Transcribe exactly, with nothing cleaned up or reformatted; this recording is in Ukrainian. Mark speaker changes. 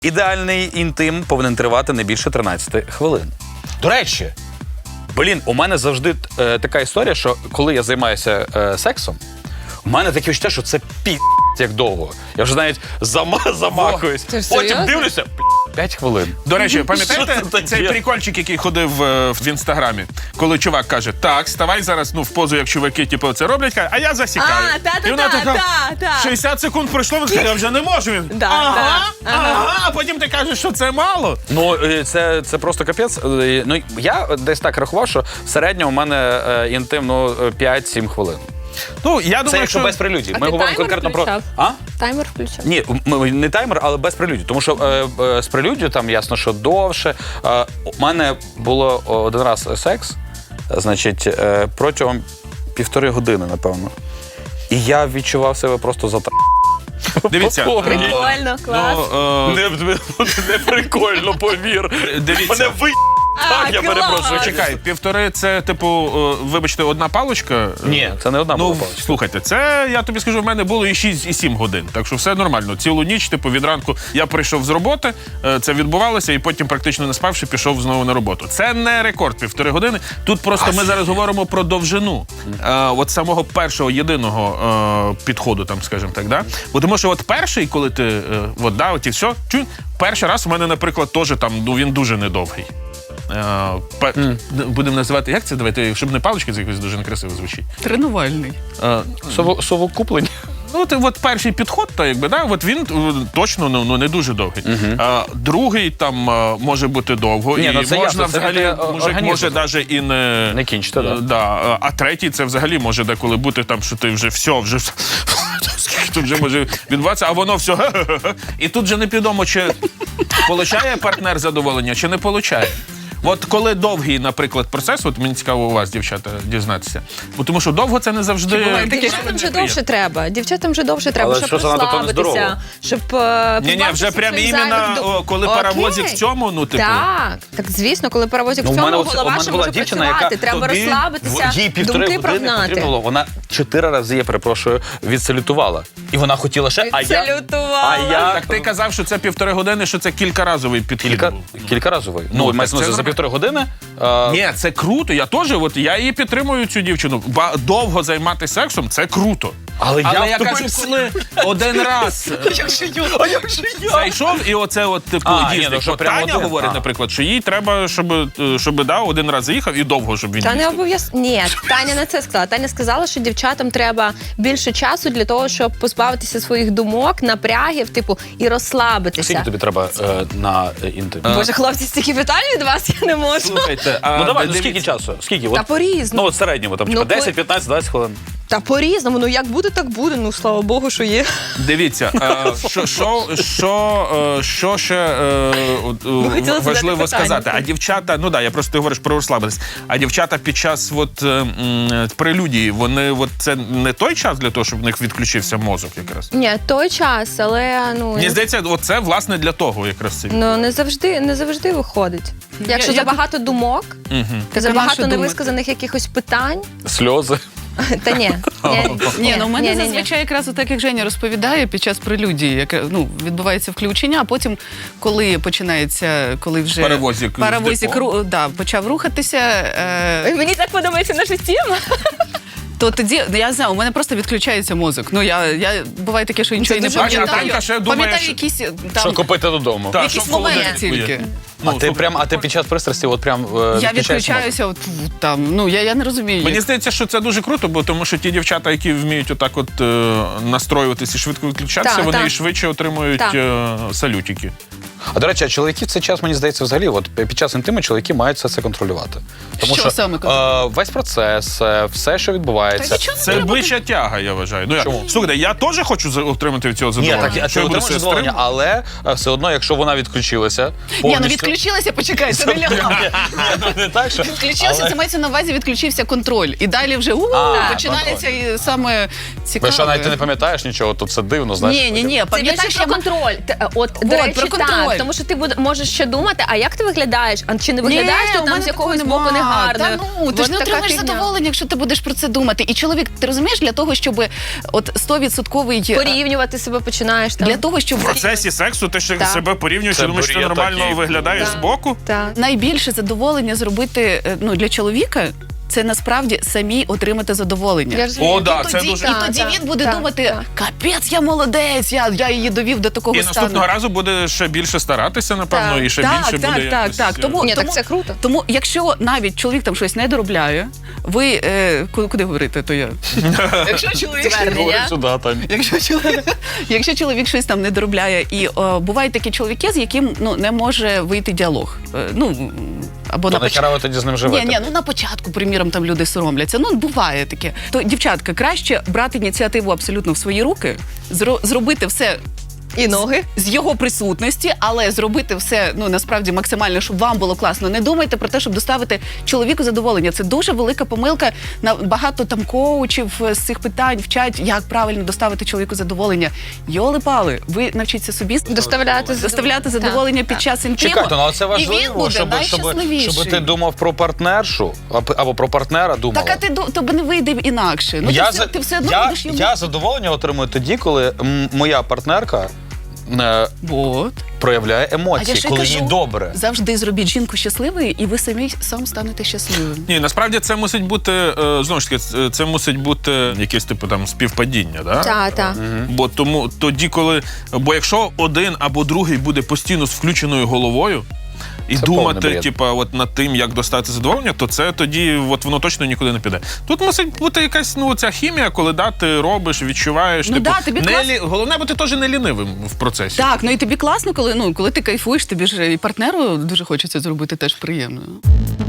Speaker 1: Ідеальний інтим повинен тривати не більше тринадцяти хвилин. До речі, блін, у мене завжди е, така історія, що коли я займаюся е, сексом, у мене таке відчуття, що це пі***, як довго. Я вже навіть зама замахуюсь. Потім дивлюся, п'ять хвилин.
Speaker 2: До речі, пам'ятаєте цей прикольчик, який ходив е, в інстаграмі, коли чувак каже, так, ставай зараз ну, в позу, як чуваки типу, це роблять, каже, а я засікаю.
Speaker 3: А, та-та-та,
Speaker 2: І вона така,
Speaker 3: та-та.
Speaker 2: шістдесят секунд пройшло, він каже, я вже не можу. Він,
Speaker 3: Да,
Speaker 2: ага,
Speaker 3: да,
Speaker 2: ага,
Speaker 3: ага.
Speaker 2: а потім ти кажеш, що це мало.
Speaker 1: Ну, е, це, це просто капець. Е, Ну, я десь так рахував, що в середньому у мене е, інтим ну, п'ять-сім хвилин.
Speaker 2: Ну, я
Speaker 1: Це
Speaker 2: думаю,
Speaker 1: якщо
Speaker 2: що...
Speaker 1: без прелюдій.
Speaker 3: А
Speaker 1: Ми
Speaker 3: ти
Speaker 1: говоримо
Speaker 3: таймер
Speaker 1: конкретно про...
Speaker 3: включав?
Speaker 1: А?
Speaker 3: Таймер включав?
Speaker 1: Ні, м- не таймер, але без прелюдій. Тому що е, е, з прелюдію там ясно, що довше. Е, у мене було один раз секс, значить, е, протягом півтори години, напевно. І я відчував себе просто за
Speaker 2: Дивіться,
Speaker 3: Прикольно, клас.
Speaker 2: Ну, е,
Speaker 1: Не, не, не прикольно, повір.
Speaker 2: Дивіться.
Speaker 1: Мене ви...
Speaker 3: А,
Speaker 1: Так, я
Speaker 3: клас.
Speaker 1: перепрошую.
Speaker 2: Чекай, півтори це, типу, е, вибачте, одна паличка?
Speaker 1: Ні, це не одна
Speaker 2: Ну,
Speaker 1: була паличка.
Speaker 2: слухайте, це, я тобі скажу, в мене було і шість, і сім годин, так що все нормально. Цілу ніч, типу, від ранку я прийшов з роботи, е, це відбувалося, і потім, практично не спавши, пішов знову на роботу. Це не рекорд півтори години. Тут просто ми зараз говоримо про довжину е, от самого першого, єдиного е, підходу, там, скажімо так, да? Бо тому що от перший, коли ти, е, от, да, от і все, чу, перший раз у мене, наприклад, теж там, ну, він дуже недовгий. Mm. Будемо називати, як це давайте, щоб не палички, це якось дуже некрасиво звучить.
Speaker 4: Тренувальний.
Speaker 2: А,
Speaker 1: Сово- Совокуплення.
Speaker 2: ну, от, от перший підход, то, якби, да, от він е, точно ну, ну, не дуже довгий. Uh-huh. А, другий там а, може бути довго,
Speaker 1: Ні,
Speaker 2: і
Speaker 1: ну, це
Speaker 2: можна
Speaker 1: ясно, це
Speaker 2: взагалі,
Speaker 1: таке,
Speaker 2: мужик
Speaker 1: організм.
Speaker 2: може навіть і не...
Speaker 1: Не кінчити, да.
Speaker 2: Е, да. А третій це взагалі може деколи бути там, що ти вже все, вже все. Тут вже може відбуватися, а воно все. І тут же не підомо, чи получає партнер задоволення, чи не получає. От коли довгий, наприклад, процес, от мені цікаво у вас, дівчата, дізнатися. Бо тому що довго це не завжди...
Speaker 3: Дівчатам вже довше треба. Дівчатам вже довше треба,
Speaker 1: Але
Speaker 3: щоб
Speaker 1: що занадто, то нездорово.
Speaker 3: розслабитися, щоб е,
Speaker 2: Ні, ні,
Speaker 3: позбавитися
Speaker 2: вже прям
Speaker 3: своїх
Speaker 2: іменно,
Speaker 3: зайвих дум-
Speaker 2: о, коли
Speaker 3: Окей.
Speaker 2: паровозик в цьому, ну, типу...
Speaker 3: Так, так, звісно, коли паровозик
Speaker 1: Ну,
Speaker 3: в
Speaker 1: у
Speaker 3: цьому,
Speaker 1: мене оце- у
Speaker 3: голова
Speaker 1: мене
Speaker 3: ще
Speaker 1: була
Speaker 3: може
Speaker 1: дівчина,
Speaker 3: працювати,
Speaker 1: яка
Speaker 3: треба
Speaker 1: тобі-
Speaker 3: розслабитися,
Speaker 1: їй півтори
Speaker 3: думки
Speaker 1: години
Speaker 3: прогнати.
Speaker 1: потрібно було. Вона чотири рази, я перепрошую, відсалютувала. І вона хотіла ще, а я...
Speaker 3: Салютувала.
Speaker 1: А я...
Speaker 2: Так ти казав, що це півтори години, що це кількаразовий підхід
Speaker 1: Кілька,
Speaker 2: був.
Speaker 1: кількаразовий.
Speaker 2: Ну,
Speaker 1: Ну,
Speaker 2: так
Speaker 1: мається на
Speaker 2: це
Speaker 1: увазі, за
Speaker 2: нормально.
Speaker 1: півтори години... е,
Speaker 2: Ні, це круто. Я теж, от я її підтримую, цю дівчину. Ба довго займатися сексом це круто.
Speaker 1: Але я
Speaker 2: Але я кажу,
Speaker 1: втомився.
Speaker 2: коли один раз
Speaker 1: А як же я?
Speaker 2: зайшов, і оце от типу
Speaker 1: А, ні,
Speaker 2: їздить.
Speaker 1: ну, що
Speaker 2: От
Speaker 1: прямо
Speaker 2: Таня
Speaker 1: один?
Speaker 2: говорить,
Speaker 1: А.
Speaker 2: наприклад, що їй треба, щоб, е, щоб да, один раз заїхав і довго, щоб він
Speaker 3: Та не
Speaker 2: їздив.
Speaker 3: обов'язково. Ні, Таня не це сказала. Таня сказала, що дівчатам треба більше часу для того, щоб позбавитися своїх думок, напрягів, типу, і
Speaker 1: Скільки
Speaker 3: розслабитися.
Speaker 1: тобі треба е, на е, інтим?
Speaker 3: Боже, хлопці, стільки питань від вас я не можу.
Speaker 2: Слухайте, а
Speaker 1: Ну давай, ну
Speaker 2: дивіться,
Speaker 1: скільки часу? Скільки?
Speaker 3: Та
Speaker 1: От,
Speaker 3: по-різному.
Speaker 1: ну от в середньому, там,
Speaker 3: Ну,
Speaker 1: типа
Speaker 3: по-
Speaker 1: десять, п'ятнадцять, двадцять хвилин.
Speaker 3: Та по-різному. Ну як буде, так буде. Ну слава Богу, що є.
Speaker 2: Дивіться, е, що, що, що, е, що ще е, от, е,
Speaker 3: хотіли задати
Speaker 2: важливо
Speaker 3: питання.
Speaker 2: сказати. А дівчата, ну да, я просто ти говориш про розслабитись. А дівчата під час от, е, м, прелюдії, вони от, це не той час для того, щоб в них відключився мозок якраз.
Speaker 3: Ні, той час, але ну
Speaker 2: Мені здається, от це власне для того якраз це.
Speaker 3: ну не завжди, не завжди виходить. Якщо
Speaker 4: Я- я
Speaker 3: забагато думок,
Speaker 2: Мгм.
Speaker 3: забагато
Speaker 4: нащо
Speaker 3: невисказаних якихось питань,
Speaker 1: Сльози.
Speaker 3: та ні.
Speaker 4: Ні, ну в мене
Speaker 3: ні, ні, ні.
Speaker 4: зазвичай якраз так, як Женя розповідає, під час прелюдії, яке ну відбувається включення, а потім, коли починається, коли вже
Speaker 2: Паровозик з
Speaker 4: паровозик
Speaker 2: депо.
Speaker 4: ру- да, почав рухатися, е,
Speaker 3: Мені так подобається наша тема.
Speaker 4: то тоді ну, я знаю, у мене просто відключається мозок. Ну я, я буває таке, що нічого і не
Speaker 3: дуже
Speaker 4: пам'ятаю.
Speaker 2: важливо. Танька ще думає,
Speaker 4: Пам'ятаю
Speaker 2: що-
Speaker 4: якісь
Speaker 1: Що
Speaker 4: там
Speaker 1: купити додому?
Speaker 2: Так,
Speaker 4: якісь
Speaker 2: що в
Speaker 4: моменти
Speaker 2: холодильнику є.
Speaker 4: тільки.
Speaker 2: Ну,
Speaker 1: А ти
Speaker 2: слухай,
Speaker 1: прям, а ти під час пристрасті от прям е,
Speaker 4: Я
Speaker 1: відключаєш мозок?
Speaker 4: відключаюся от в- там. Ну я, я не розумію.
Speaker 2: Мені
Speaker 4: як.
Speaker 2: здається, що це дуже круто, бо тому що ті дівчата, які вміють отак от е, настроюватися і швидко відключатися,
Speaker 3: Так,
Speaker 2: вони
Speaker 3: так.
Speaker 2: і швидше отримують
Speaker 3: Так.
Speaker 2: е, салютики.
Speaker 1: А до речі, а чоловіки в цей час, мені здається, взагалі, от під час інтиму чоловіки мають все це контролювати. Тому
Speaker 4: Що
Speaker 1: що,
Speaker 4: саме
Speaker 1: е, весь процес, е, все, що відбувається.
Speaker 4: Та нічого не
Speaker 2: Це
Speaker 4: треба.
Speaker 2: бича тяга, я вважаю. Ну, я,
Speaker 1: Чому?
Speaker 2: слухайте, я теж хочу за- отримати від цього
Speaker 1: Ні,
Speaker 2: задоволення.
Speaker 1: так, а
Speaker 2: Що
Speaker 1: ти
Speaker 2: я буду
Speaker 1: отримаєш
Speaker 2: себе
Speaker 1: задоволення,
Speaker 2: стримувати?
Speaker 1: але е, все одно, якщо вона відключилася,
Speaker 4: Ні, ну
Speaker 1: повністю...
Speaker 4: відключилася, почекай, це не лягла.
Speaker 1: Не так, що...
Speaker 4: Відключилася, це мається на увазі, відключився контроль. І далі вже у
Speaker 1: А,
Speaker 4: починається і саме цікаве.
Speaker 1: Ви що, навіть ти не пам'ятаєш нічого, то це дивно, знаєш?
Speaker 4: Ні, ні, ні,
Speaker 3: Це
Speaker 4: пам'ятаєш,
Speaker 3: більше про
Speaker 4: я
Speaker 3: контроль. Т- От, до
Speaker 4: От,
Speaker 3: речі,
Speaker 4: про контроль.
Speaker 3: так, тому що ти буде, можеш ще думати, а як ти виглядаєш? А чи не виглядаєш
Speaker 4: Ні,
Speaker 3: ти
Speaker 4: у
Speaker 3: там
Speaker 4: мене
Speaker 3: з якогось
Speaker 4: такого
Speaker 3: боку
Speaker 4: нема.
Speaker 3: негарно?
Speaker 4: Та ну, ти ж не
Speaker 3: От така
Speaker 4: отримаєш
Speaker 3: фігня.
Speaker 4: задоволення, якщо ти будеш про це думати. І чоловік, ти розумієш, для того, щоб от сто відсотків
Speaker 3: Порівнювати себе починаєш там.
Speaker 4: для того, щоб
Speaker 2: В процесі сексу ти ще
Speaker 3: Так.
Speaker 2: себе порівнюєш
Speaker 1: Це
Speaker 2: і думаєш, що ти
Speaker 1: бред
Speaker 2: нормально
Speaker 1: такий.
Speaker 2: виглядаєш
Speaker 3: Так.
Speaker 2: збоку.
Speaker 3: Так.
Speaker 4: найбільше задоволення зробити е, ну, для чоловіка. Це насправді самі отримати задоволення.
Speaker 3: Я розумію.
Speaker 2: О, да,
Speaker 4: і
Speaker 2: це
Speaker 4: тоді,
Speaker 2: дуже-
Speaker 4: і
Speaker 3: Так,
Speaker 4: тоді
Speaker 3: так,
Speaker 4: він буде
Speaker 3: так,
Speaker 4: думати:
Speaker 3: так.
Speaker 4: капець, я молодець, я, я її довів до такого
Speaker 2: І
Speaker 4: стану.
Speaker 2: наступного разу буде ще більше старатися, напевно,
Speaker 3: Так.
Speaker 2: і ще
Speaker 4: Так,
Speaker 2: більше
Speaker 4: так,
Speaker 2: буде.
Speaker 4: так,
Speaker 2: якось,
Speaker 4: так.
Speaker 2: е,
Speaker 4: Тому-
Speaker 3: Ні, так це круто.
Speaker 4: Тому, якщо навіть чоловік там щось не доробляє, ви е, куди, куди говорити, то я. Якщо чоловік
Speaker 3: Звернення.
Speaker 1: Сюди, Тань.
Speaker 4: Якщо чоловік, якщо чоловік щось там не доробляє, і о, бувають такі чоловіки, з яким ну не може вийти діалог. Е, ну або
Speaker 1: То
Speaker 4: на
Speaker 1: нахіра ви тоді з ним
Speaker 4: Ні,
Speaker 1: живете?
Speaker 4: ні, ну на початку, приміром, там люди соромляться. Ну буває таке. То дівчатка, краще брати ініціативу абсолютно в свої руки, зро- зробити все.
Speaker 3: І ноги.
Speaker 4: З його присутності, але зробити все ну насправді максимально, щоб вам було класно. Не думайте про те, щоб доставити чоловіку задоволення. Це дуже велика помилка. На багато там коучів з цих питань вчать, як правильно доставити чоловіку задоволення. Йоли-пали, ви навчіться собі
Speaker 3: Доставляти
Speaker 4: доставляти задоволення під час інтиму.
Speaker 1: Чекайте, ну але це
Speaker 4: і він
Speaker 1: важливо,
Speaker 4: буде
Speaker 1: щоб, щоб,
Speaker 4: найщасливіший.
Speaker 1: щоб ти думав про партнершу або або про партнера думала.
Speaker 4: Так, а ти ду- тобі не вийде інакше. Ну
Speaker 1: я,
Speaker 4: ти, все,
Speaker 1: за-
Speaker 4: ти все одно
Speaker 1: я,
Speaker 4: будеш йому.
Speaker 1: я задоволення отримую тоді, коли м, моя партнерка е,
Speaker 4: Вот.
Speaker 1: проявляє
Speaker 4: А я
Speaker 1: емоції,
Speaker 4: ще й
Speaker 1: коли
Speaker 4: кажу,
Speaker 1: їй добре.
Speaker 4: завжди зробіть жінку щасливою, і ви самі сам станете щасливим.
Speaker 2: Ні, насправді це мусить бути, е, знову ж таки, це- це мусить бути якесь типу там співпадіння, да?
Speaker 3: Так, так.
Speaker 2: Бо тому тоді, коли. Бо якщо один або другий буде постійно з включеною головою і
Speaker 1: Це повний
Speaker 2: думати,
Speaker 1: бред.
Speaker 2: типа, от над тим, як достати задоволення, то це тоді от воно точно нікуди не піде. Тут мусить бути якась ну ця хімія, коли да, ти робиш, відчуваєш.
Speaker 4: Ну
Speaker 2: типу,
Speaker 4: да, тобі
Speaker 2: не
Speaker 4: клас-
Speaker 2: лі... Головне бути теж не лінивим в процесі.
Speaker 4: Так, ну і тобі класно, коли ну коли ти кайфуєш, тобі ж і партнеру дуже хочеться зробити теж приємно.